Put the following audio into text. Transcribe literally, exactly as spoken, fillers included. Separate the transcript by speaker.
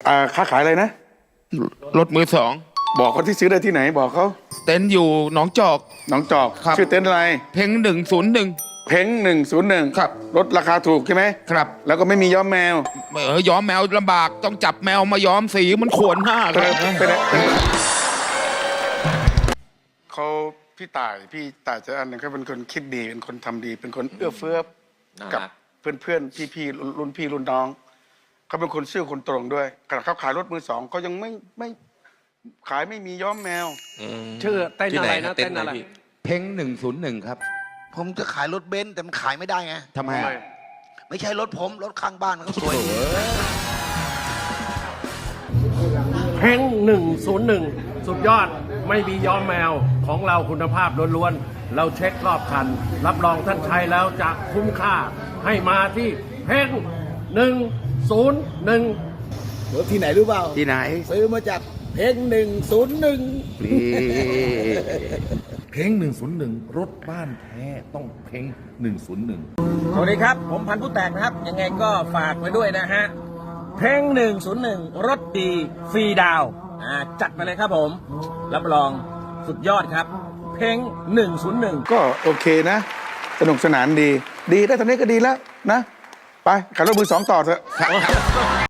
Speaker 1: อ่าค้าขายอะไรนะ
Speaker 2: รถมือสอง
Speaker 1: บอกเขาที่ซื้อได้ที่ไหนบอกเขา
Speaker 2: เต็นท์อยู่หนองจอก
Speaker 1: หนองจอก
Speaker 2: ครับ
Speaker 1: ชื่อเต็นท์อะไร
Speaker 2: เพ่งหนึ่งศูนย์หนึ่ง
Speaker 1: เพ้งหนึ่งศูนย์หนึ่ง
Speaker 2: ครับ
Speaker 1: รถราคาถูกใช่ไหม
Speaker 2: ครับ
Speaker 1: แล้วก็ไม่มีย้อมแมว
Speaker 2: เออย้อมแมวลำบากต้องจับแมวมาย้อมสีมันขวนหน้าครับ
Speaker 1: เป็นเขาพี่ต่ายพี่ต่ายจะอันหนึงเขาเป็นคนคิดดีเป็นคนทำดี เป็นคนเอื้อเฟื้อกับเพื่อนเพื่อนพี่พี่ๆรุ่นพี่รุ่นน้องเขาเป็นคนซื่อคนตรงด้วยขณะเขาขายรถมือสองเขายังไม่ไม่ขายไม่มีย้อมแมว
Speaker 3: ชื่อเต้นอะไรนะเต้นอะไร
Speaker 2: เพ่งหนึ่งศูนย์หนึ่งครับ
Speaker 4: ผมจะขายรถเบนซ์แต่มันขายไม่ได้ไง
Speaker 2: ทำไมอะ
Speaker 4: ไม่ใช่รถผม รถข้างบ้านเขาสวยดี
Speaker 3: เพ่งหนึ่งศูนย์หนึ่งสุดยอดไม่มีย้อมแมวของเราคุณภาพล้วนๆเราเช็ครอบคัน รับรองท่านใช้แล้วจะคุ้มค่าให้มาที่เพ่งหนึ่งศูนย์หนึ่ง
Speaker 5: รถที่ไหนรู้เปล่า
Speaker 2: ที่ไหน
Speaker 5: ซื้อมาจากเพงหนึ่งศูนย์หนึ่ง
Speaker 2: นี่
Speaker 6: เพ้งหนึ่งศูนย์หนึ่งรถบ้านแท้ต้องเพ้งหนึ่งศูนย์หนึ่ง
Speaker 7: สวัสดีครับ ผมพันธุ์ผู้แตกนะครับ ยังไงก็ฝากไว้ด้วยนะฮะ เพลงหนึ่งศูนย์หนึ่งรถดีฟรีดาวน์อ่าจัดมาเลยครับผม รับรองสุดยอดครับ เพลงหนึ่งศูนย์หนึ่ง
Speaker 1: ก็โอเคนะ สนุกสนานดี ดีได้ตอนนี้ก็ดีแล้วนะ ไปขายรถมือสองต่อเถอะ